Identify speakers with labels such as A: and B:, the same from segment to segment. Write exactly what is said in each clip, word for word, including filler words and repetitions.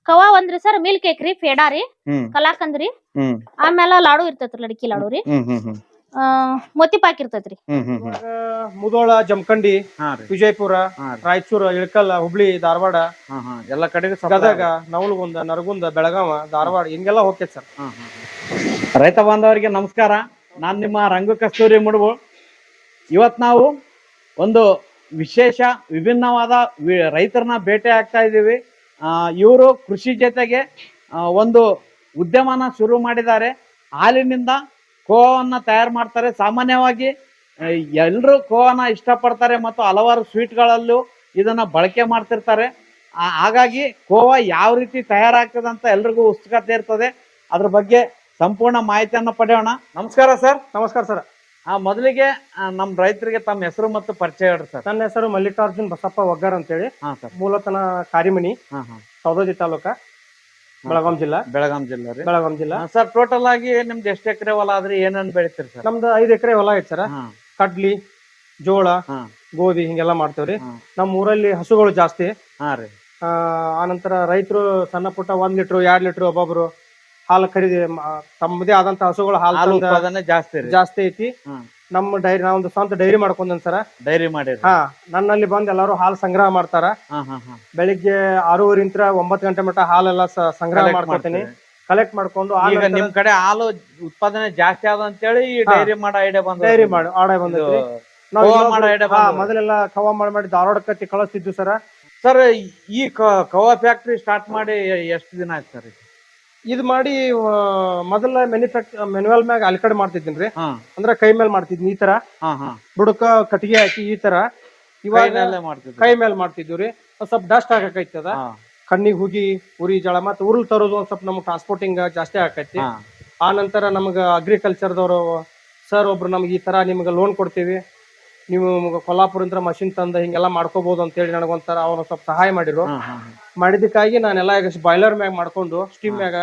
A: ಕವಾ ಒಂದ್ರಿ sir milk cake ರೀ ಪೇಡಾ ರೀ
B: ಹ್ಮ್
A: ಕಲಾಕಂದ್ ರೀ
B: ಹ್ಮ್
A: ಆಮೇಲೆ ಲಾಡು ಇರ್ತೈತ್ರಿ ಲಡಕಿ ಲಾಡು ರೀ
B: ಹ್ಮ್ ಹ್ಮ್ ಹ್ಮ್
A: ಆ ಮೋತಿ ಪಾಕ್ ಇರ್ತೈತ್ರಿ
B: ಹ್ಮ್ ಹ್ಮ್ ಹ್ಮ್
C: ಮುದೋಳ ಜಮಖಂಡಿ
B: ಹಾ ರೀ
C: ವಿಜಯಪುರ
B: ಹಾ ರೀ
C: ರಾಯಚೂರು ಇಳಕಲ್ಲ ಹುಬ್ಳಿ ಧಾರವಾಡ
B: ಹಾ ಹಾ ಎಲ್ಲ ಕಡೆಗೂ supply
C: ಗದಗ ನವಲಗುಂದ ನರಗುಂದ ಬೆಳಗಾವ ಧಾರವಾಡ ಹಿಂಗೆಲ್ಲ ಹೋಗ್ತೈತೆ ಸರ್.
B: ಹಾ, ಹಾ, ಹಾ. ರೈತ ಬಾಂಧವರಿಗೆ ನಮಸ್ಕಾರ. ನಾನು ನಿಮ್ಮ ರಂಗು ಕಸ್ತೂರಿ ಮುಡುಬು. ಇವತ್ತು ನಾವು ಒಂದು ವಿಶೇಷ ವಿಭಿನ್ನವಾದ ವಿ- ರೈತರನ್ನ ಭೇಟಿ ಆಗ್ತಾ ಇದ್ದೀವಿ. ಇವರು ಕೃಷಿ ಜೊತೆಗೆ ಆ, ಒಂದು ಉದ್ಯಮನ ಶುರು ಮಾಡಿದ್ದಾರೆ. ಹಾಲಿನಿಂದ ಕೋವನ್ನ ತಯಾರು ಮಾಡ್ತಾರೆ. ಸಾಮಾನ್ಯವಾಗಿ ಎಲ್ಲರೂ ಕೋವನ್ನ ಇಷ್ಟಪಡ್ತಾರೆ ಮತ್ತು ಹಲವಾರು ಸ್ವೀಟ್ಗಳಲ್ಲೂ ಇದನ್ನ ಬಳಕೆ ಮಾಡ್ತಿರ್ತಾರೆ. ಆ, ಹಾಗಾಗಿ ಕೋವಾ ಯಾವ ರೀತಿ ತಯಾರಾಗ್ತದೆ ಅಂತ ಎಲ್ರಿಗೂ ಉತ್ಸುಕತೆ ಇರ್ತದೆ. ಅದ್ರ ಬಗ್ಗೆ ಸಂಪೂರ್ಣ ಮಾಹಿತಿಯನ್ನು ಪಡೆಯೋಣ. ನಮಸ್ಕಾರ ಸರ್.
C: ನಮಸ್ಕಾರ ಸರ್.
B: ಆ ಮೊದಲಿಗೆ ನಮ್ಮ ರೈತರಿಗೆ ತಮ್ಮ ಹೆಸರು ಮತ್ತು ಪರಿಚಯ ಹೇಳ್ರಿ ಸರ್.
C: ನನ್ನ ಹೆಸರು ಮಲ್ಲಿಕಾರ್ಜುನ್ ಬಸಪ್ಪ ಒಗ್ಗಾರ್ ಅಂತೇಳಿ.
B: ಹಾ ಸರ್.
C: ಮೂಲತನ ಕಾರಿಮಣಿ,
B: ಹಾ ಹಾ
C: ಸೌದತ್ತಿ ತಾಲೂಕ, ಬೆಳಗಾಂ ಜಿಲ್ಲಾ.
B: ಬೆಳಗಾಂ ಜಿಲ್ಲೆ ರೀ.
C: ಬೆಳಗಾಂ ಜಿಲ್ಲಾ
B: ಸರ್, ಟೋಟಲ್ ಆಗಿ ನಿಮ್ದು ಎಷ್ಟು ಎಕರೆ ಹೊಲ ಆದ್ರಿ, ಏನೇನು ಬೆಳಿತೀರಿ ಸರ್?
C: ನಮ್ದು ಐದು ಎಕರೆ ಹೊಲ ಐತೆ ಸರ್.
B: ಹಾ
C: ಕಡ್ಲಿ, ಜೋಳ,
B: ಹಾ
C: ಗೋಧಿ ಹಿಂಗೆಲ್ಲ ಮಾಡ್ತೇವ್ರಿ.
B: ಹಾ.
C: ನಮ್ಮ ಊರಲ್ಲಿ ಹಸುಗಳು ಜಾಸ್ತಿ.
B: ಹಾ ರೀ.
C: ಆ ಆನಂತರ ರೈತರು ಸಣ್ಣ ಪುಟ್ಟ ಒಂದ್ ಲೀಟ್ರು ಎರಡ್ ಲೀಟ್ರು ಒಬ್ಬೊಬ್ರು ಹಾಲು ಖರೀದಿ ಮ- ತಮ್ಮದೇ ಆದಂತ ಹಸುಗಳು ಹಾಲು
B: ಹಾಲು
C: ತಂದ
B: ಉತ್ಪಾದನೆ ಜಾಸ್ತಿ ರೀ.
C: ಜಾಸ್ತಿ ಐತಿ.
B: ಹ್ಮ್.
C: ನಮ್ಮ ಡೈರಿ ನಾವೊಂದು ಸ್ವಂತ ಡೈರಿ ಮಾಡ್ಕೊಂಡೇನ್ ಸರ.
B: ಡೈರಿ ಮಾಡಿರಿ.
C: ಹಾ, ನನ್ನಲ್ಲಿ ಬಂದ್ ಎಲ್ಲಾರು ಹಾಲು ಸಂಗ್ರಹ ಮಾಡ್ತಾರ.
B: ಹಾ ಹಾ ಹಾ.
C: ಬೆಳಿಗ್ಗೆ ಆರೂವರೆಂತ್ರ ಒಂಬತ್ತು ಗಂಟೆ ಮಟ್ಟ ಹಾಲೆಲ್ಲ ಸ- ಸಂಗ್ರಹ
B: Collect
C: ಮಾಡ್ಕೊತೀನಿ.
B: ಮಾಡ್ತೀರಿ.
C: ಕಲೆಕ್ಟ್ ಮಾಡ್ಕೊಂಡು
B: ಈಗ ನಿಮ್ ಕಡೆ ಹಾಲು ಉತ್ಪಾದನೆ ಜಾಸ್ತಿ ಆದ ಅಂತೇಳಿ ಈ
C: ಹಾ.
B: ಡೈರಿ ಮಾಡೋ ಐಡಿಯಾ ಬಂದ.
C: ಡೈರಿ ಮಾಡಿ ಆರ್ಡರ್ ಬಂದೈತಿ. ನಾವ್
B: ಖೋವಾ
C: ಇನ್ನೊಬ್ರು-
B: ಮಾಡೋ idea
C: ಹಾ,
B: ಬಂದದ.
C: ಮೊದಲೆಲ್ಲ ಖವಾ ಮಾಡಿ ಮಾಡಿ ಧಾರವಾಡ ಕತ್ತಿ ಕಳಿಸ್ತಿದ್ವಿ ಸರ.
B: ಸರ್, ಈ ಕ- ಕವಾ ಫ್ಯಾಕ್ಟ್ರಿ ಸ್ಟಾರ್ಟ್ ಮಾಡಿ ಎಷ್ಟು ದಿನ ಆಯ್ತು ಸರ್?
C: ಇದು ಮಾಡಿ ಆ, ಮೊದಲ ಮ್ಯಾನುಫ್ಯಾಕ್ಚರ್ ಮೆನ್ಯುವಲ್ ಮ್ಯಾಗ ಅಲ್ಲಿ ಕಡೆ ಮಾಡ್ತಿದ್ದೀನಿ.
B: ಹಾ
C: ಅಂದ್ರೆ ಕೈ ಮೇಲೆ ಮಾಡ್ತಿದ್ನಿ ಈ ತರ,
B: ಹಾ ಹಾ.
C: ಬುಡಕ ಕಟ್ಟಿಗೆ ಹಾಕಿ ಈ ತರ. ಇವಾಗ
B: ಕೈನಲ್ಲೇ ಮಾಡ್ತಿದ್ರಿ.
C: ಕೈ ಮೇಲೆ ಮಾಡ್ತಿದ್ವಿ ರೀ. ಒಂದ್ ಸ್ವಲ್ಪ ಡಸ್ಟ್ ಆಗಕೈತದ,
B: ಹಾ
C: ಕಣ್ಣಿಗೆ ಹುಗಿ ಉರಿ ಜಳ ಮತ್ತೆ ಉರುಲ್ ತರೋದು ಒಂದ್ ಸ್ವಲ್ಪ ನಮ್ಗೆ ಟ್ರಾನ್ಸ್ಪೋರ್ಟಿಂಗ್ ಜಾಸ್ತಿ ಆಕೈತಿ.
B: ಹಾ
C: ಆ ನಂತರ ನಮ್ಗೆ ಅಗ್ರಿಕಲ್ಚರ್ದವರು ಸರ್ ಒಬ್ರು ನಮ್ಗೆ ಈ ತರ ನಿಮ್ಗೆ ಲೋನ್ ಕೊಡ್ತೀವಿ, ನೀವು ಕೊಲ್ಲಾಪುರ ಮಷಿನ್ ತಂದ ಹಿಂಗೆಲ್ಲ ಮಾಡ್ಕೋಬಹುದು ಅಂತ ಹೇಳಿ ನನಗೊಂಥರ ಅವ್ರು ಸ್ವಲ್ಪ ಸಹಾಯ ಮಾಡಿದ್ರು.
B: ಹಾ ಹಾ.
C: ಮಾಡಿದಕ್ಕಾಗಿ ನಾನೆಲ್ಲ ಈಗ ಬಾಯ್ಲರ್ ಮ್ಯಾಗ ಮಾಡ್ಕೊಂಡು ಸ್ಟೀಮ್ ಮ್ಯಾಗ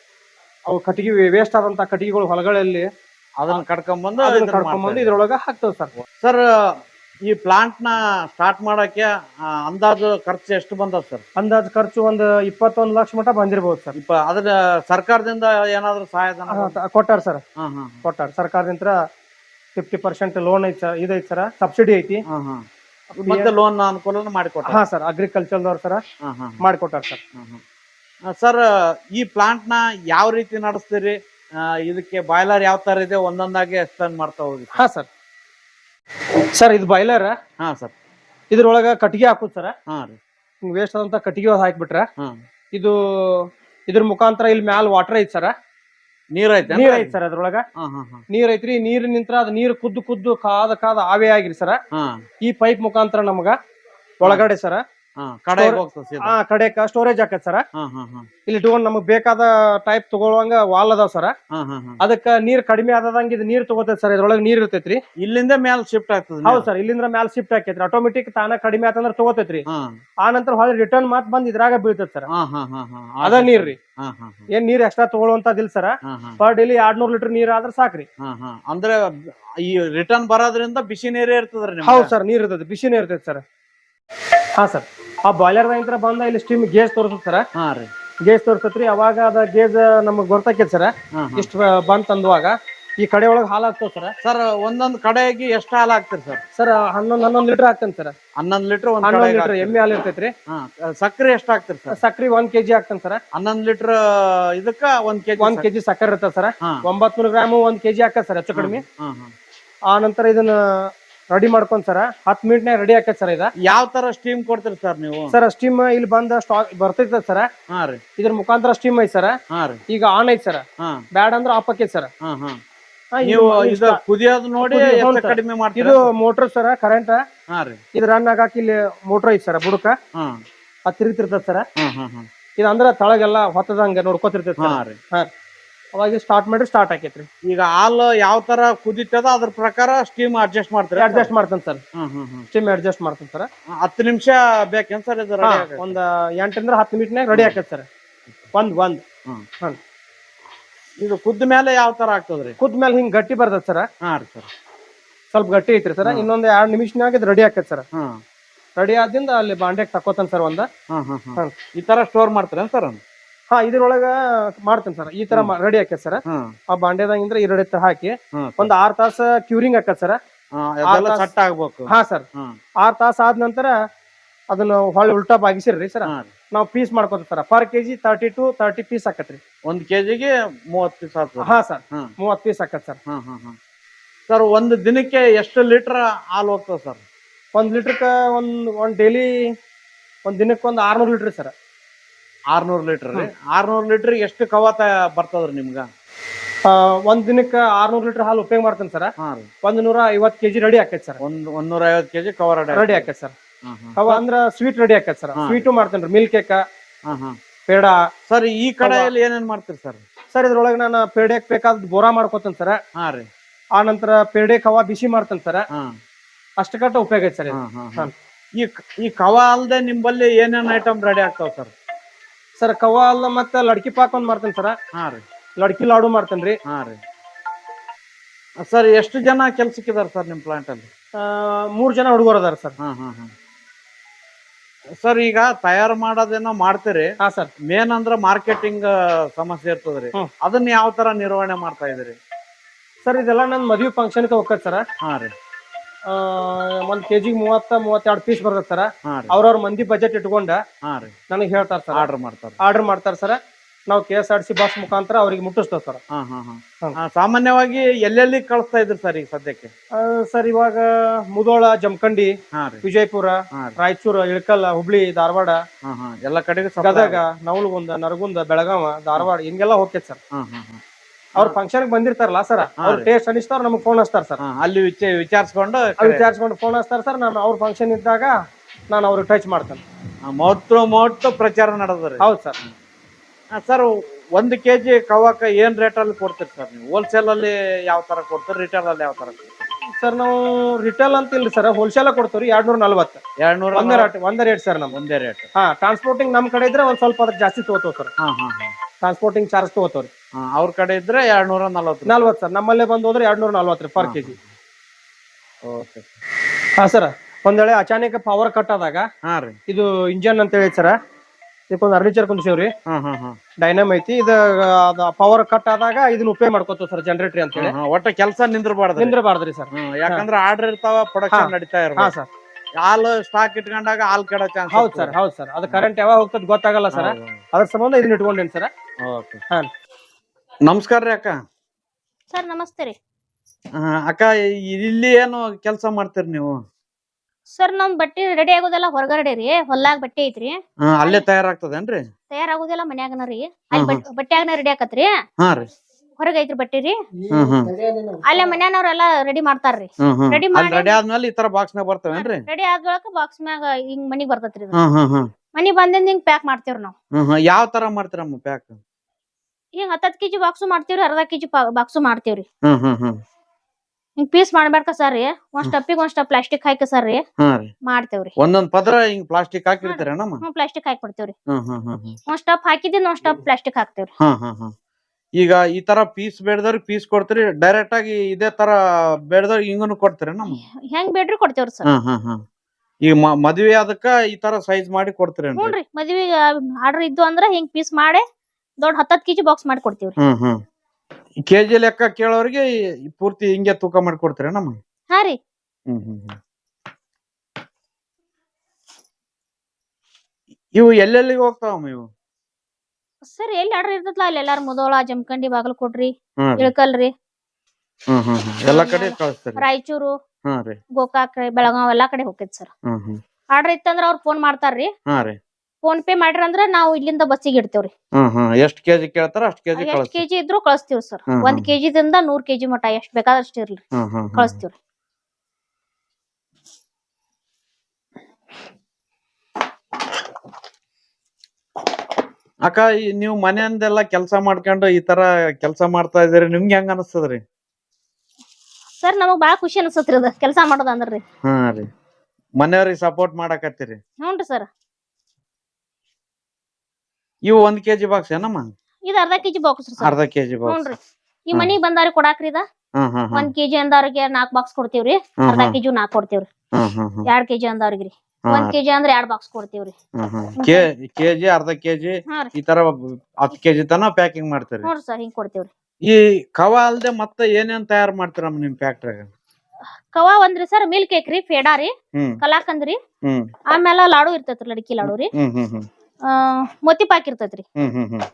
C: ಅವು ಕಟ್ಟಿಗೆ ವೇಸ್ಟ್ ಆದಂತ ಕಟ್ಟಿಗೆಗಳು ಹೊಲಗಳಲ್ಲಿ
B: ಅದನ್ನ ಕಡ್ಕೊಂಡ್ಬಂದು
C: ಅದನ್ನ
B: ಇದನ್ನ
C: ಕರ್ಕೊಂಡ್ಬಂದು
B: ಮಾಡ್ತಾ
C: ಇದ್ರೊಳಗ ಹಾಕ್ತೇವೆ ಸರ್.
B: ಸರ್, ಈ ಪ್ಲಾಂಟ್ ನ ಸ್ಟಾರ್ಟ್ ಮಾಡಕ್ಕೆ ಆ, ಅಂದಾಜು ಖರ್ಚು ಎಷ್ಟು ಬಂದದ ಸರ್?
C: ಅಂದಾಜ್ ಖರ್ಚು ಒಂದು ಇಪ್ಪತ್ತೊಂದು ಲಕ್ಷ ಮಟ್ಟ ಬಂದಿರ್ಬೋದು ಸರ್.
B: ಇಪ್ಪ ಅದ್ರ ಸರ್ಕಾರದಿಂದ ಏನಾದ್ರು ಸಹಾಯಧನ?
C: ಆ, ಕೊಟ್ಟಾರ ಸರ್,
B: ಹಾ ಹಾ
C: ಕೊಟ್ಟಾರ ಸರ್ಕಾರದಿಂದ ಫಿಫ್ಟಿ ಪರ್ಸೆಂಟ್ ಲೋನ್ ಐತಿ ಸರ್. ಇದೈತಿ ಸರ್, ಸಬ್ಸಿಡಿ ಐತಿ.
B: ಹಾ ಹಾ. ಮತ್ತೆ ಲೋನ್ ಅನುಕೂಲ ಮಾಡಿಕೊಟ್ಟ?
C: ಹಾ ಸರ್, ಅಗ್ರಿಕಲ್ಚರ್ದವ್ರು ಸರ್
B: ಹಾ ಹಾ
C: ಮಾಡಿಕೊಟ್ಟಾರ ಸರ್.
B: ಸರ್, ಈ ಪ್ಲಾಂಟ್ ನ ಯಾವ ರೀತಿ ನಡೆಸ್ತೀರಿ? ಆ, ಇದಕ್ಕೆ ಬಾಯ್ಲರ್ ಯಾವ ತರ ಇದೆ ಒಂದೊಂದಾಗಿ ಎಕ್ಸ್ಪ್ಲೇನ್ ಮಾಡ್ತಾ ಹೋಗಿ.
C: ಹಾ ಸರ್. ಸರ್, ಇದು ಬಾಯ್ಲರ್.
B: ಹಾ ಸರ್.
C: ಇದ್ರೊಳಗ ಕಟ್ಟಿಗೆ ಹಾಕುದು ಸರ್.
B: ಹಾ ರೀ.
C: ವೇಸ್ಟ್ ಆದಂತ ಕಟ್ಟಿಗೆ ಹಾಕ್ಬಿಟ್ರ
B: ಹಾ.
C: ಇದು ಇದ್ರ ಮುಖಾಂತರ ಇಲ್ಲಿ ಮ್ಯಾಲ ವಾಟರ್ ಐತಿ ಸರ್.
B: ನೀರ್ ಐತೆ?
C: ನೀರ್ ಐತಿ ಸರ್ ಅದ್ರೊಳಗ.
B: ಹಾ ಹಾ ಹಾ.
C: ನೀರ್ ಐತ್ರಿ. ನೀರ್ ನಿಂತ್ರ ಅದ್ ನೀರ್ ಕುದ್ದು ಕುದ್ದು ಕಾದ ಕಾದ ಆವಿ ಆಗಿರಿ ಸರ.
B: ಹಾ
C: ಈ ಪೈಪ್ ಮುಖಾಂತರ ನಮಗ ಒಳಗಡೆ ಸರ
B: ಹಾ. ಕಡೆಗೆ ಹೋಗ್ತದೆ ಸೀದಾ?
C: ಆ ಕಡೆಕ ಸ್ಟೋರೇಜ್ ಆಕತ್ ಸರ.
B: ಹಾ ಹಾ ಹಾ.
C: ಇಲ್ಲಿ ಇಟ್ಕೊಂಡ್ ನಮಗ್ ಬೇಕಾದ ಟೈಪ್ ತಗೊಳುವಂಗ ವಾಲ್ ಅದಾವ ಸರ.
B: ಹಾ ಹಾ ಹಾ.
C: ಅದಕ್ಕ ನೀರ್ ಕಡಿಮೆ ಆದಂಗ ಇದು ನೀರ್ ತಗೋತೈತಿ ಸರ್. ಇದ್ರೊಳಗ ನೀರ್ ಇರ್ತೈತ್ರಿ.
B: ಇಲ್ಲಿಂದ ಮ್ಯಾಲ ಶಿಫ್ಟ್ ಆಗ್ತದೆ?
C: ಹೌದ್ ಸರ್, ಇಲ್ಲಿಂದ್ರ ಮ್ಯಾಲ ಶಿಫ್ಟ್ ಆಕೈತ್ರಿ. ಆಟೋಮೆಟಿಕ್ ತಾನ ಕಡಿಮೆ ಆತಂದ್ರ ತಗೋತೈತ್ರಿ.
B: ಹಾ
C: ಆ ನಂತರ ಹೊಳ್ಳಿ ರಿಟರ್ನ್ ಮಾತ್ ಬಂದ್ ಇದ್ರಾಗ ಬೀಳ್ತೈತಿ ಸರ್.
B: ಹಾ ಹಾ ಹಾ ಹಾ.
C: ಅದ ನೀರ್ ರೀ.
B: ಹಾ ಹಾ ಹಾ.
C: ಏನ್ ನೀರ್ ಎಕ್ಸ್ಟ್ರಾ ತಗೊಳುವಂತದಿಲ್ಲ ಸರ.
B: ಹಾ ಹಾ
C: ಪರ್ ಡೈಲಿ ಎರಡ್ ನೂರ್ ಲೀಟರ್ ನೀರ್ ಆದ್ರ ಸಾಕ್ರಿ.
B: ಹಾ ಹಾ. ಅಂದ್ರೆ ಈ ರಿಟರ್ನ್ ಬರೋದ್ರಿಂದ ಬಿಸಿ ನೀರೇ ಇರ್ತದ್ರಿ?
C: ಹೌದ್ ಸರ್, ನೀರ್ ಇರ್ತೈತಿ, ಬಿಸಿನೇ ಇರ್ತೈತಿ ಸರ್. ಹಾ ಸರ್, ಆ ಬಾಯ್ಲರ್ ದಾಗಿಂತ್ರ ಬಂದ ಇಲ್ಲಿ ಸ್ಟೀಮ್ ಗೇಜ್ ತೋರಿಸ್ತದ ಸರ.
B: ಹಾ ರೀ.
C: ಗೇಜ್ ತೋರಿಸ್ತೈತ್ರಿ. ಅವಾಗ ಅದ ಗೇಜ್ ನಮಗ್ ಗೊತ್ತಾಕೈತಿ ಸರ್.
B: ಹಾ ಹಾ.
C: ಇಷ್ಟ ಬಂದ್ ತಂದುವಾಗ ಈ ಕಡೆ ಒಳಗ್ ಹಾಲ್ ಹಾಕ್ತೇವ್ ಸರ್.
B: ಸರ್, ಒಂದೊಂದ್ ಕಡೆಗೆ ಎಷ್ಟು ಹಾಲು ಹಾಕ್ತಿರಿ ಸರ್?
C: ಸರ್, ಹನ್ನೊಂದ್ ಹನ್ನೊಂದ್ ಲೀಟರ್ ಹಾಕ್ತೇನೆ ಸರ್.
B: ಹನ್ನೊಂದ್ ಲೀಟರ್ ಒಂದ್
C: ಹನ್ನೊಂದ್
B: ಕಡೆಗೆ
C: ಲೀಟರ್ ಎಮ್ಮೆ ಹಾಲ್ ಇರ್ತೈತ್ರಿ.
B: ಹಾ. ಸಕ್ಕರೆ ಎಷ್ಟು ಹಾಕ್ತಿರಿ ಸರ್?
C: ಸಕ್ರಿ ಒಂದ್ ಕೆಜಿ ಹಾಕ್ತೇನೆ ಸರ್.
B: ಹನ್ನೊಂದ್ ಲೀಟರ್ ಇದಕ್ಕ ಒಂದ್ ಕೆಜಿ
C: ಒಂದ್ ಕೆಜಿ ಸಕ್ಕರೆ ಇರ್ತದೆ ಸರ್.
B: ಹಾ.
C: ಒಂಬತ್ ನೂರು ಗ್ರಾಮ್ ಒಂದ್ ಕೆಜಿ ಹಾಕತ್ ಸರ್, ಹೆಚ್ಚು ಕಡಿಮೆ.
B: ಹಾ ಹಾ.
C: ಆ ನಂತರ ಇದನ್ನ ರೆಡಿ ಮಾಡ್ಕೊಂಡ್ ಸರ್ ಹತ್ ಮಿನಿಟ್ನಾಗ ರೆಡಿ ಆಕತ್ ಸರ್. ಇದ
B: ಯಾವ ತರ ಸ್ಟೀಮ್ ಕೊಡ್ತೀರಿ ಸರ್ ನೀವು?
C: ಸರ್, ಸ್ಟೀಮ್ ಇಲ್ಲಿ ಬಂದ ಸ್ಟಾಕ್ ಬರ್ತೈತ ಸರ್.
B: ಹಾ ರೀ.
C: ಇದ್ರ ಮುಖಾಂತರ ಸ್ಟೀಮ್ ಐತಿ ಸರ್.
B: ಹಾ ರೀ.
C: ಈಗ ಆನ್ ಐತಿ ಸರ್.
B: ಹಾ.
C: ಬ್ಯಾಡ್ ಅಂದ್ರ ಆಫ್ ಆಕೈತಿ ಸರ್.
B: ಹಾ ಹಾ.
C: ಹಾ, ಇದು
B: ನೀವು
C: ಮಾಡಿ
B: ಇದು ಕುದಿಯೋದು ನೋಡಿ
C: ಕುದಿ- ಹೌದು
B: ಎಷ್ಟು
C: ಸರ್.
B: ಕಡಿಮೆ ಮಾಡ್ತೀರಿ?
C: ಇದು ಮೋಟರ್ ಸರ್, ಕರೆಂಟ್.
B: ಹಾ ರೀ.
C: ಇದು ರನ್ ಆಗಾಕ ಇಲ್ಲಿ ಮೋಟರ್ ಐತಿ ಸರ್ ಬುಡಕ.
B: ಹಾ
C: ಅದ್ ತಿರುಗ್ತಿರ್ತದ ಸರ್.
B: ಹಾ ಹಾ ಹಾ.
C: ಇದು ಅಂದ್ರ ತಳಗೆಲ್ಲ ಹೊತ್ತದಂಗ ನೋಡ್ಕೋತಿರ್ತೈತಿ
B: ಹಾ
C: ಸರ್.
B: ರೀ.
C: ಹಾ, ಅವಾಗ ಸ್ಟಾರ್ಟ್ ಮಾಡಿ ಸ್ಟಾರ್ಟ್ ಆಕೈತ್ರಿ.
B: ಈಗ ಹಾಲು ಯಾವ ತರ ಕುದಿತದ ಅದ್ರ ಪ್ರಕಾರ ಸ್ಟೀಮ್ ಅಡ್ಜಸ್ಟ್ ಮಾಡ್ತೀರಿ?
C: ಅಡ್ಜಸ್ಟ್ ಮಾಡ್ತೇನೆ ಸರ್.
B: ಹ್ಮ್ ಹ್ಮ್ ಹ್ಮ್.
C: ಸ್ಟೀಮ್ ಅಡ್ಜಸ್ಟ್ ಮಾಡ್ತೇನೆ ಸರ್.
B: ಹತ್ತು ನಿಮಿಷ ಬೇಕೇನ್ ಸರ್ ಇದು
C: ಹಾ,
B: ರೆಡಿ ಆಗಕ್ಕೆ?
C: ಒಂದ್ ಎಂಟರಿಂದ ಹತ್ತು ಮಿನಿಟ್ನಾಗ ರೆಡಿ ಆಕೈತಿ ಸರ್. ಒಂದ್ ಒಂದ್
B: ಹ್ಮ್.
C: ಹ್ಮ್.
B: ಇದು ಕುದ್ದ ಮೇಲೆ ಯಾವ ತರ ಆಗ್ತದ್ರಿ?
C: ಕುದ್ದ ಮೇಲೆ ಹಿಂಗ್ ಗಟ್ಟಿ ಬರ್ತದ ಸರ್.
B: ಹಾ ರೀ ಸರ್.
C: ಸ್ವಲ್ಪ ಗಟ್ಟಿ ಐತ್ರಿ ಸರ್. ಇನ್ನೊಂದ್ ಎರಡ್ ನಿಮಿಷನಾಗ ಇದು ರೆಡಿ ಆಕೈತಿ ಸರ್.
B: ಹಾ
C: ರೆಡಿ ಆದಿಂದ ಅಲ್ಲಿ ಬಾಂಡ್ಯಾಗ ತಕೋತಾನ ಸರ್ ಒಂದ.
B: ಹಾ ಹಾ ಹಾ.
C: ಹ್ಮ್.
B: ಈ ತರ ಸ್ಟೋರ್ ಮಾಡ್ತೀರೇನ್ ಸರ್?
C: ಹಾ ಇದ್ರೊಳಗ ಮಾಡ್ತೇನೆ ಸರ್ ಈ ತರ ರೆಡಿ ಹಾಕತ್ ಸರ್
B: ಹ್ಮ್
C: ಆ ಬಾಂಡೆದಂಗಿಂದ್ರ ಈರುಳ್ಳಿ ತರ ಹಾಕಿ
B: ಹ್ಮ್
C: ಒಂದ್ ಆರ್ ತಾಸ ಕ್ಯೂರಿಂಗ್ ಹಾಕತ್ ಸರ್
B: ಅದೆಲ್ಲ ಸಟ್ ಆಗ್ಬೇಕು
C: ಹಾ ಸರ್
B: ಹ್ಮ್
C: ಆರ್ ತಾಸ ಆದ ನಂತರ ಅದನ್ನ ಹೊಳ್ಳಿ ಉಲ್ಟಾ ಬಾಗಿಸಿರ್ರಿ ಸರ್
B: ಹಾ ರೀ.
C: ನಾವ್ ಪೀಸ್ ಮಾಡ್ಕೋತೀವಿ sir per KG thirty to thirty piece ಹಾಕತ್ರಿ
B: ಒಂದ್ ಕೆಜಿಗೆ ಮೂವತ್ ಪೀಸ್ ಆಗ್ತದೆ
C: ಹಾ ಸರ್
B: ಹ್ಮ್
C: ಮೂವತ್ ಪೀಸ್ ಹಾಕತ್ ಸರ್
B: ಹ್ಮ್ ಹ್ಮ್ ಹ್ಮ್ ಸರ್ ಒಂದು ದಿನಕ್ಕೆ ಎಷ್ಟು ಲೀಟರ್ ಹಾಲು ಹೋಗ್ತದೆ ಸರ್
C: ಒಂದ್ ಲೀಟರ್ಕ ಒಂದ್ ಒಂದ್ ಡೈಲಿ ಒಂದ್ ದಿನಕ್ಕೆ ಒಂದ್ ಆರ್ನೂರ್ ಲೀಟರ್ ಸರ್
B: ಆರ್ನೂರ್ ಲೀಟರ್ ರೀ ಆರ್ನೂರ್ ಲೀಟರ್ ಎಷ್ಟು ಕವಾತ ಬರ್ತದ್ರಿ ನಿಮ್ಗ
C: ಒಂದ್ ದಿನಕ್ಕೆ ಆರ್ನೂರ್ ಲೀಟರ್ ಹಾಲು ಉಪಯೋಗ ಮಾಡ್ತೇನೆ ಸರ್
B: ಹಾ ರೀ
C: ಒಂದ್ ನೂರ ಐವತ್ ಕೆಜಿ ರೆಡಿ ಹಾಕತ್ ಸರ್
B: ಒಂದ್ ಒಂದೂರ ಐವತ್ ಕೆಜಿ ಕವರ್
C: ರೆಡಿ ಹಾಕತ್ ಸರ್ ಅವ ಅಂದ್ರ ಸ್ವೀಟ್ ರೆಡಿ ಹಾಕತ್ ಸರ್ ಸ್ವೀಟು ಮಾಡ್ತೇನ್ರಿ ಮಿಲ್ಕ್ ಕೇಕ್ ಪೇಡ
B: ಸರ್ ಈ ಕಡೆಯಲ್ಲಿ ಏನೇನ್ ಮಾಡ್ತೀರಿ ಸರ್
C: ಸರ್ ಇದ್ರೊಳಗೆ ನಾನು ಪೇಡೆಕ್ ಬೇಕಾದ್ ಬೋರಾ ಮಾಡ್ಕೊತೇನೆ ಸರ್
B: ಹಾ ರೀ
C: ಆ ನಂತರ ಪೇಡೆ ಕವಾ ಬಿಸಿ ಮಾಡ್ತೇನೆ ಸರ್
B: ಹಾ
C: ಅಷ್ಟ ಕಟ್ಟ ಉಪಯೋಗ ಐತೆ ಸರ್ ಇದು.
B: ಹಾ, ಹಾ, ಹಾ. ಈ ಈ ಕವ ಅಲ್ದೆ ನಿಂಬಲ್ಲಿ ಏನೇನ್ ಐಟಮ್ ರೆಡಿ ಆಗ್ತಾವ ಸರ್
C: ಸರ್ ಕವಾ ಅಲ್ಲ ಮತ್ತೆ ಲಡ್ಕಿ ಪಾಕ್ ಒಂದ್ ಮಾಡ್ತೇನೆ ಸರ್
B: ಹಾ ರೀ
C: ಲಡ್ಕಿ ಲಾಡು ಮಾಡ್ತೇನ್ರಿ
B: ಹಾ ರೀ ಸರ್ ಎಷ್ಟು ಜನ ಕೆಲ್ಸಕ್ಕಿದಾರ ಸರ್ ನಿಮ್ ಪ್ಲಾಂಟ್ ಅಲ್ಲಿ
C: ಆ, ಮೂರ್ ಜನ ಹುಡುಗರು ಅದಾರ ಸರ್
B: ಹಾ ಹಾ ಹಾ ಸರ್ ಈಗ ತಯಾರು ಮಾಡೋದೇನೋ ಮಾಡ್ತೀರಿ
C: ಹಾ ಸರ್
B: ಮೇನ್ ಅಂದ್ರ ಮಾರ್ಕೆಟಿಂಗ್ ಸಮಸ್ಯೆ ಇರ್ತದ್ರಿ
C: ಹ್ಮ್.
B: ಅದನ್ನ ಯಾವ ತರ ನಿರ್ವಹಣೆ ಮಾಡ್ತಾ ಇದ್ರಿ
C: ಸರ್ ಇದೆಲ್ಲ ನನ್ ಮದ್ವಿ ಫಂಕ್ಷನ್ ಹೋಗತ್ ಸರ್
B: ಹಾ ರೀ
C: ಒಂದ್ ಕೆಜಿಗೆ ಮೂವತ್ತ ಮೂವತ್ತೆರಡು ಪೀಸ್ ಬರ್ತದೆ ಸರ್
B: ಹಾ ರೀ
C: ಅವ್ರವ್ರ ಮಂದಿ ಬಜೆಟ್ ಇಟ್ಕೊಂಡ
B: ಹಾ ರೀ
C: ನನಗೆ ಹೇಳ್ತಾರ ಸರ್
B: ಆರ್ಡರ್ ಮಾಡ್ತಾರೆ
C: ಆರ್ಡರ್ ಮಾಡ್ತಾರ ಸರ್ ನಾವು K S R C bus ಮುಖಾಂತರ ಅವ್ರಿಗೆ ಮುಟ್ಟಿಸ್ತೇವೆ ಸರ್
B: ಹಾ ಹಾ ಹಾ ಸಾಮಾನ್ಯವಾಗಿ ಎಲ್ಲೆಲ್ಲಿ ಕಳಿಸ್ತಾ ಇದ್ರಿ ಸರ್ ಈಗ ಸದ್ಯಕ್ಕೆ
C: ಸರ್ ಇವಾಗ ಮುದೋಳ ಜಮಖಂಡಿ
B: ಹಾ ರೀ
C: ವಿಜಯಪುರ
B: ಹಾ ರೀ
C: ರಾಯಚೂರು ಇಳಕಲ್ ಹುಬ್ಳಿ ಧಾರವಾಡ
B: ಹಾ ಹಾ ಎಲ್ಲ ಕಡೆಗೂ
C: ಗದಗ ನವಲಗುಂದ ನರಗುಂದ ಬೆಳಗಾವ ಧಾರವಾಡ ಹಿಂಗೆಲ್ಲ ಹೋಗ್ತೈತೆ ಸರ್
B: ಹಾ ಹಾ ಹಾ
C: ಅವ್ರ ಫಂಕ್ಷನ್ ಬಂದಿರ್ತಾರಲ್ಲ ಸರ್ ಅವ್ರ ಟೇಸ್ಟ್ ಅನಿಸ್ತಾರ ನಮಗ್ ಫೋನ್ ಹಚ್ತಾರ ಸರ್
B: ಹಾ, ಅಲ್ಲಿ ವಿಚ ವಿಚಾರಿಸ್ಕೊಂಡು
C: ವಿಚಾರಿಸ್ಕೊಂಡು ಫೋನ್ ಹಚ್ತಾರ ಸರ್ ನಾನು ಅವ್ರ ಫಂಕ್ಷನ್ ಇದ್ದಾಗ ನಾನು ಅವ್ರಿಗೆ ಟಚ್ ಮಾಡ್ತೇನೆ
B: ಮೌತ್ ಮೌತ್ ಪ್ರಚಾರ ನಡೆದ್ರಿ
C: ಹೌದು ಸರ್
B: ಸರ್ ಒಂದ್ ಕೆಜಿ ಕವಾಕ ಏನ್ ರೇಟ್ ಅಲ್ಲಿ ಕೊಡ್ತೀರಿ ಸರ್ ನೀವು ಹೋಲ್ಸೇಲ್ ಅಲ್ಲಿ ಯಾವ ತರ ಕೊಡ್ತೀರಿ ರಿಟೇಲ್ ಅಲ್ಲಿ ಯಾವ ತರ ಕೊಡ್ತೀರಿ
C: ಸರ್ ನಾವು ರಿಟೇಲ್ ಅಂತ ಇಲ್ರಿ ಸರ್ ಹೋಲ್ಸೇಲ್ ಕೊಡ್ತೀವಿ ಎರಡ್ ನೂರ ನಲ್ವತ್ತು
B: ಎರಡ್ ನೂರ
C: ಒಂದೇ ರೇಟ್ ಒಂದೇ ರೇಟ್ ಸರ್ ನಮ್ದು
B: ಒಂದೇ ರೇಟ್
C: ಹಾ ಟ್ರಾನ್ಸ್ಪೋರ್ಟಿಂಗ್ ನಮ್ ಕಡೆ ಇದ್ರೆ ಒಂದ್ ಸ್ವಲ್ಪ ಅದ್ರ ಜಾಸ್ತಿ ತಗೋತೇವೆ ಸರ್
B: ಹಾ ಹಾ ಹಾ
C: ಟ್ರಾನ್ಸ್ಪೋರ್ಟಿಂಗ್ ಚಾರ್ಜ್ ತಗೋತೇವ್ರಿ
B: ಅವ್ರ ಕಡೆ ಇದ್ರೆ ಎರಡ್ ನೂರ ನಲ್ವತ್ತು
C: ನಲ್ವತ್ತು ಸರ್ ನಮ್ಮಲ್ಲೇ ಬಂದು ಹೋದ್ರೆ ಎರಡ್ ನೂರ ನಲ್ವತ್ತು ರೀ ಪರ್ ಕೆಜಿ
B: ಓಕೆ
C: ಹಾ ಸರ್ ಒಂದ್ ವೇಳೆ ಅಚಾನಕ್ ಪವರ್ ಕಟ್ ಆದಾಗ
B: ಹಾ ರೀ
C: ಇದು ಇಂಜನ್ ಅಂತ ಹೇಳಿ ಸರ್ ಇದಕ್ಕೊಂದು ಅರ್ನಿಚರ್ ಕುಂದಿಸೇವ್ರಿ
B: ಹಾ ಹಾ ಹಾ
C: ಡೈನಮ್ ಐತಿ ಇದು ಪವರ್ ಕಟ್ ಆದಾಗ ಇದನ್ನ ಉಪಯೋಗ ಮಾಡ್ಕೋತೀವಿ ಸರ್ ಜನರೇಟರ್ ಅಂತ ಹೇಳಿ
B: ಒಟ್ಟ ಕೆಲಸ ನಿಂದ್ರಬಾರ್ದು
C: ನಿಂದ್ರಬಾರ್ದ್ರಿ ಸರ್
B: ಯಾಕಂದ್ರೆ ಆರ್ಡರ್ ಇರ್ತಾವ ಪ್ರೊಡಕ್ಷನ್ ನಡೀತಾ
C: ಹಾ
B: ಇರ್ಬೋದು
C: ಸರ್
B: ಹಾಲು ಸ್ಟಾಕ್ ಇಟ್ಕೊಂಡಾಗ ಹಾಲ್ ಕೆಡೋ ಚಾನ್ಸ್
C: ಹೌದ್ ಸರ್ ಹೌದ್ ಸರ್ ಅದು ಕರೆಂಟ್ ಯಾವಾಗ ಹೋಗ್ತದ ಗೊತ್ತಾಗಲ್ಲ ಸರ್ ಅದ್ರ ಸಂಬಂಧ ಇದನ್ನ ಇಟ್ಕೊಂಡೇನಿ ಸರ್
B: ಓಕೆ
C: ಹಾ
B: ನಮಸ್ಕಾರ ರೀ ಅಕ್ಕ
A: ಸರ್ ನಮಸ್ತೆ ರೀ
B: ಆ, ಅಕ್ಕ ಇಲ್ಲಿ ಏನು ಕೆಲಸ ಮಾಡ್ತೀರಿ ನೀವು
A: ಸರ್ ನಮ್ ಬಟ್ಟೆ ರೆಡಿ ಆಗೋದೆಲ್ಲ ಹೊರಗಡೆ ರೀ ಹೊಲ್ಲಾಗ ಬಟ್ಟೆ ಐತ್ರಿ
B: ಆ, ಅಲ್ಲೇ ತಯಾರಾಗ್ತದೇನ್ರಿ
A: ತಯಾರಾಗೋದೆಲ್ಲ ಮನ್ಯಾಗನ ರೀ ಅಲ್ಲಿ ಬಟ್ಟೆಯಾಗನ ರೆಡಿ ಆಕತ್ರಿ
B: ಹಾ ರೀ
A: ಹೊರಗ ಐತ್ರಿ ಬಟ್ಟೆ ರೀ
B: ಹ್ಮ್ ಹ್ಮ್
A: ಅಲ್ಲೇ ಮನ್ಯಾನವ್ರೆಲ್ಲಾ ರೆಡಿ ಮಾಡ್ತಾರ್ರಿ
B: ಹ್ಮ್ ಹ್ಮ್
A: ರೆಡಿ
B: ಅಲ್ಲಿ
A: ಮಾಡಿ
B: ರೆಡಿ ಆದ್ಮೇಲೆ ಈ ತರ ಬಾಕ್ಸ್ ನಾಗ ಬರ್ತವೇನ್ರಿ
A: ರೆಡಿ ಆದ್ಮೇಲೆ ಬಾಕ್ಸ್ ಮ್ಯಾಗ ಹಿಂಗ್ ಮನಿಗ್ ಬರ್ತೈತ್ರಿ ಇದು
B: ಹ್ಮ್ ಹ್ಮ್ ಹ್ಮ್
A: ಮನಿಗ್ ಬಂದಿಂದ ಹಿಂಗ್ ಪ್ಯಾಕ್ ಮಾಡ್ತೇವ್ರಿ ನಾವ್
B: ಹ್ಮ್ ಹ್ಮ್ ಯಾವ ತರ ಮಾಡ್ತೀರಮ್ಮ ಪ್ಯಾಕ್
A: ಹಿಂಗ್ ಹತ್ತತ್ ಕೆಜಿ ಬಾಕ್ಸು ಮಾಡ್ತೇವ್ರಿ ಅರ್ಧ ಕೆಜಿ ಬಾಕ್ಸು ಮಾಡ್ತೇವ್ರಿ
B: ಹ್ಮ್ ಹ್ಮ್ ಹ್ಮ್
A: ಹಿಂಗ್ ಪೀಸ್ ಮಾಡ್ಬೇಕ ಸರ್ ರೀ ಒಂದ್ ಸ್ಟಪ್ಪಿಗೆ ಒಂದ್ ಸ್ಟಪ್ ಪ್ಲಾಸ್ಟಿಕ್ ಹಾಕಿ ಸರ್ ರೀ
B: ಹಾ ರೀ
A: ಮಾಡ್ತೇವ್ರಿ
B: ಒಂದೊಂದ್ ಪದ್ರ ಹಿಂಗ್ ಪ್ಲಾಸ್ಟಿಕ್ ಹಾಕಿರ್ತೀರೇನಮ್ಮ
A: ಹ್ಮ್ ಪ್ಲಾಸ್ಟಿಕ್ ಹಾಕಿ ಕೊಡ್ತೇವ್ರಿ
B: ಹ್ಮ್ ಹ್ಮ್ ಹ್ಮ್ ಹ್ಮ್
A: ಒಂದ್ ಸ್ಟಪ್ ಹಾಕಿದ್ದೀನಿ ಒಂದ್ ಸ್ಟಪ್ ಪ್ಲಾಸ್ಟಿಕ್ ಹಾಕ್ತೇವ್ರಿ
B: ಹ್ಮ್ ಹ್ಮ್ ಹ್ಮ್ ಈಗ ಈ ತರ ಪೀಸ್ ಬೇಡದವ್ರಿಗೆ ಪೀಸ್ ಕೊಡ್ತೀರಿ ಡೈರೆಕ್ಟ್ ಆಗಿ ಇದೇ ತರ ಬೇಡದವ್ರಿಗೆ ಹಿಂಗನು ಕೊಡ್ತೀರೇನಮ್ಮ
A: ಹೆಂಗ್ ಬೇಡ್ರಿ ಕೊಡ್ತೇವ್ರಿ ಸರ್
B: ಹ್ಮ್ ಹ್ಮ್ ಹ್ಮ್ ಈಗ ಮ- ಮದ್ವೆ ಅದಕ್ಕ ಈ ತರ ಸೈಜ್ ಮಾಡಿ ಕೊಡ್ತೀರೇನ್ರಿ
A: ಹ್ಞೂನ್ರಿ ಮದ್ವಿಗೆ ಆರ್ಡರ್ ಇದ್ದು ಅಂದ್ರ ಹಿಂಗ್ ಪೀಸ್ ಮಾಡಿ ದೊಡ್ಡ ಹತ್ತತ್ ಕೆಜಿ ಬಾಕ್ಸ್ ಮಾಡಿ ಕೊಡ್ತೇವ್ರಿ
B: ಹ್ಮ್ ಹ್ಮ್ ಕೆಜಿ ಲೆಕ್ಕ ಕೇಳೋರಿಗೆ ಈ ಪೂರ್ತಿ ಹಿಂಗೆ ತೂಕ ಮಾಡಿ ಕೊಡ್ತೀರೇನಮ್ಮ
A: ಹಾ ರೀ
B: ಹ್ಮ್ ಹ್ಮ್ ಹ್ಮ್ ಇವು ಎಲ್ಲೆಲ್ಲಿಗೆ ಹೋಗ್ತಾವಮ್ಮ ಇವು
A: ಸರ್ ಎಲ್ಲಿ ಆರ್ಡರ್ ಇರ್ತೈತಲ್ಲ ಅಲ್ಲಿ ಎಲ್ಲಾರು ಮುದೋಳ ಜಮಖಂಡಿ ಬಾಗಲಕೋಟ್ರಿ
B: ಹ್ಮ್ ರೀ.
A: ಇಳಕಲ್ರಿ
B: ಹ್ಮ್ ಹ್ಮ್ ಹ್ಮ್ ಎಲ್ಲಾ ಕಡೆ ಕಳಿಸ್ತೀರಿ
A: ರಾಯಚೂರು
B: ಹಾ ರೀ
A: ಗೋಕಾಕ್ ಬೆಳಗಾವ್ ಎಲ್ಲಾ ಕಡೆ ಹೋಗ್ತೈತಿ ಸರ್
B: ಹ್ಮ್ ಹ್ಮ್
A: ಆರ್ಡರ್ ಇತ್ತಂದ್ರ ಅವ್ರ ಫೋನ್ ಮಾಡ್ತಾರ್ರಿ
B: ಹಾ ರೀ
A: ಫೋನ್ ಪೇ ಮಾಡ್ರಿ ಅಂದ್ರ ನಾವು ಇಲ್ಲಿಂದ ಬಸ್ಸಿಗೆ ಇಡ್ತೇವ್ರಿ
B: ಹ್ಮ್ ಹ್ಮ್ ಎಷ್ಟ್ ಕೆಜಿ ಕೇಳ್ತಾರ ಅಷ್ಟ್ ಕೆಜಿ
A: ಎಷ್ಟ್
B: ಕಳಿಸ್ತೀವಿ
A: ಕೆಜಿ ಇದ್ರು ಕಳಿಸ್ತೀವ್ರಿ ಸರ್
B: ಹ್ಮ್
A: ಒಂದ್ ಕೆಜಿದಿಂದ ನೂರ್ ಕೆಜಿ ಮಟ ಎಷ್ಟ್ ಬೇಕಾದಷ್ಟು ಇರ್ಲಿ
B: ಹ್ಮ್ ಹ್ಮ್ ಹ್ಮ್
A: ಕಳಿಸ್ತೀವ್ರಿ
B: ಅಕ್ಕ ಈ ನೀವು ಮನೆಯಿಂದೆಲ್ಲ ಕೆಲಸ ಮಾಡ್ಕೊಂಡು ಈ ತರ ಕೆಲಸ ಮಾಡ್ತಾ ಇದೀರಿ ನಿಮ್ಗೆ ಹೆಂಗ ಅನಿಸ್ತದ್ರಿ
A: ಸರ್ ನಮಗ್ ಬಾಳ ಖುಷಿ ಅನ್ಸತ್ರಿ ಅದ ಕೆಲಸ ಮಾಡೋದ ಅಂದ್ರಿ
B: ಹಾ ರೀ ಮನೆಯವ್ರಿಗೆ ಸಪೋರ್ಟ್ ಮಾಡಕತ್ತೀರಿ
A: ಹ್ಞೂನ್ರಿ ಸರ್
B: ಇವು ಒಂದ್ ಕೆಜಿ ಬಾಕ್ಸ್ ಏನಮ್ಮ
A: ಇದು ಅರ್ಧ ಕೆಜಿ ಬಾಕ್ಸ್ ಸರ್
B: ಅರ್ಧ ಕೆಜಿ ಬಾಕ್ಸ್
A: ಹ್ಞೂನ್ರಿ ಈ ಮನಿಗ್ ಬಂದಾರಿ ಕೊಡಾಕ್ರಿ ಇದ
B: ಹ್ಮ್ ಹ್ಮ್ ಹ್ಮ್
A: ಒಂದ್ ಕೆಜಿ ಅಂದವ್ರಿಗೆ ನಾಕ್ ಬಾಕ್ಸ್ ಕೊಡ್ತೀವ್ರಿ
B: ಹ್ಮ್
A: ಅರ್ಧ
B: ಹ್ಮ್.
A: ಕೆಜಿ ನಾಕ್ ಕೊಡ್ತೀವ್ರಿ
B: ಹ್ಮ್ ಹ್ಮ್ ಹ್ಮ್
A: ಎರಡ್ ಕೆಜಿ ಅಂದವ್ರಿಗ್ರಿ
B: ಹಾ
A: ಒಂದ್ ಕೆಜಿ ಅಂದ್ರೆ ಎರಡ್ ಬಾಕ್ಸ್ ಕೊಡ್ತೀವ್ರಿ.
B: ಹ್ಮ್ ಹ್ಮ್ ಕೆ ಕೆಜಿ ಅರ್ಧ ಕೆಜಿ
A: ಹಾ ರೀ
B: ಈ ತರ ಹತ್ತು ಕೆಜಿ ತನ ಪ್ಯಾಕಿಂಗ್ ಮಾಡ್ತೀರಿ.
A: ನೋಡ್ರಿ ಸರ್ ಹಿಂಗ್ ಕೊಡ್ತೀವ್ರಿ.
B: ಈ ಕವ ಅಲ್ದೆ ಮತ್ತೆ ಏನೇನ್ ತಯಾರು ಮಾಡ್ತೀರಮ್ಮ ನಿಮ್ ಫ್ಯಾಕ್ಟ್ರಿಯಾಗ?
A: ಕವಾ ಒಂದ್ರಿ ಸರ್ ಮಿಲ್ಕ್ ಕೇಕ್ ರೀ, ಪೇಡಾ ರೀ,
B: ಹ್ಮ್
A: ಕಲಾಕಂದ್ ರೀ,
B: ಹ್ಮ್
A: ಆಮೇಲೆ ಲಾಡು ಇರ್ತೈತ್ರಿ, ಲಡಕಿ ಲಾಡು ರೀ,
B: ಹ್ಮ್ ಹ್ಮ್ ಹ್ಮ್
A: ಆ ಮೋತಿ ಪಾಕ್ ಇರ್ತೈತ್ರಿ.
B: ಹ್ಮ್ ಹ್ಮ್ ಹ್ಮ್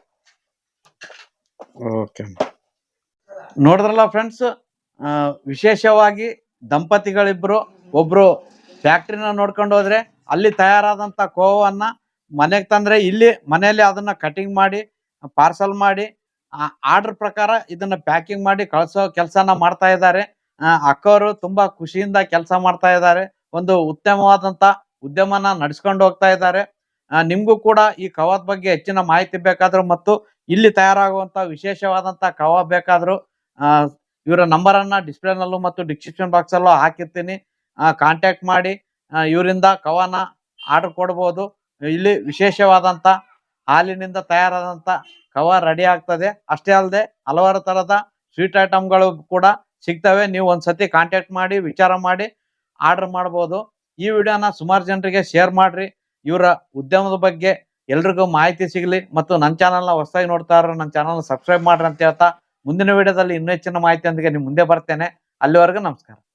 B: ಓಕೆ ನೋಡಿದ್ರಲ್ಲ ಫ್ರೆಂಡ್ಸ್, ವಿಶೇಷವಾಗಿ ದಂಪತಿಗಳಿಬ್ರು ಒಬ್ರು ಫ್ಯಾಕ್ಟ್ರಿನ ನೋಡ್ಕೊಂಡು ಹೋದ್ರೆ ಅಲ್ಲಿ ತಯಾರಾದಂತ ಕೋವನ್ನ ಮನೆಗೆ ತಂದ್ರೆ ಇಲ್ಲಿ ಮನೆಯಲ್ಲಿ ಅದನ್ನ ಕಟಿಂಗ್ ಮಾಡಿ ಪಾರ್ಸಲ್ ಮಾಡಿ ಆರ್ಡರ್ ಪ್ರಕಾರ ಇದನ್ನ ಪ್ಯಾಕಿಂಗ್ ಮಾಡಿ ಕಳ್ಸೋ ಕೆಲಸನ ಮಾಡ್ತಾ ಇದ್ದಾರೆ. ಅಕ್ಕವರು ತುಂಬಾ ಖುಷಿಯಿಂದ ಕೆಲಸ ಮಾಡ್ತಾ ಇದ್ದಾರೆ. ಒಂದು ಉತ್ತಮವಾದಂತ ಉದ್ಯಮನ ನಡೆಸ್ಕೊಂಡು ಹೋಗ್ತಾ ಇದ್ದಾರೆ. ನಿಮ್ಗೂ ಕೂಡ ಈ ಕವಾದ್ ಬಗ್ಗೆ ಹೆಚ್ಚಿನ ಮಾಹಿತಿ ಬೇಕಾದ್ರು ಮತ್ತು ಇಲ್ಲಿ ತಯಾರಾಗುವಂತ ವಿಶೇಷವಾದಂತ ಕವಾ ಬೇಕಾದ್ರು ಆ ಇವರ ನಂಬರ್ ಅನ್ನ ಡಿಸ್ಪ್ಲೇ ನಲ್ಲೂ ಮತ್ತು ಡಿಸ್ಕ್ರಿಪ್ಷನ್ ಬಾಕ್ಸ್ ಅಲ್ಲೂ ಹಾಕಿರ್ತೀನಿ. ಕಾಂಟ್ಯಾಕ್ಟ್ ಮಾಡಿ ಇವರಿಂದ ಕವಾನ ಆರ್ಡರ್ ಕೊಡ್ಬೋದು. ಇಲ್ಲಿ ವಿಶೇಷವಾದಂತ ಹಾಲಿನಿಂದ ತಯಾರಾದಂತ ಕವಾ ರೆಡಿ ಆಗ್ತದೆ. ಅಷ್ಟೇ ಅಲ್ಲದೆ ಹಲವಾರು ತರದ ಸ್ವೀಟ್ ಐಟಮ್ಗಳು ಕೂಡ ಸಿಗ್ತವೆ. ನೀವು ಒಂದ್ಸತಿ ಕಾಂಟ್ಯಾಕ್ಟ್ ಮಾಡಿ ವಿಚಾರ ಮಾಡಿ ಆರ್ಡರ್ ಮಾಡ್ಬೋದು. ಈ ವಿಡಿಯೋನ ಸುಮಾರು ಜನರಿಗೆ ಶೇರ್ ಮಾಡ್ರಿ. ಇವರ ಉದ್ಯಮದ ಬಗ್ಗೆ ಎಲ್ರಿಗೂ ಮಾಹಿತಿ ಸಿಗಲಿ ಮತ್ತು ನನ್ನ ಚಾನಲ್ನ ಹೊಸದಾಗಿ ನೋಡ್ತಾ ಇರೋ ನನ್ನ ಚಾನಲ್ ಸಬ್ಸ್ಕ್ರೈಬ್ ಮಾಡ್ರಿ ಅಂತ ಹೇಳ್ತಾ ಮುಂದಿನ ವಿಡಿಯೋದಲ್ಲಿ ಇನ್ನೂ ಹೆಚ್ಚಿನ ಮಾಹಿತಿಯೊಂದಿಗೆ ನಿಮ್ಮ ಮುಂದೆ ಬರ್ತೇನೆ. ಅಲ್ಲಿವರೆಗೂ ನಮಸ್ಕಾರ.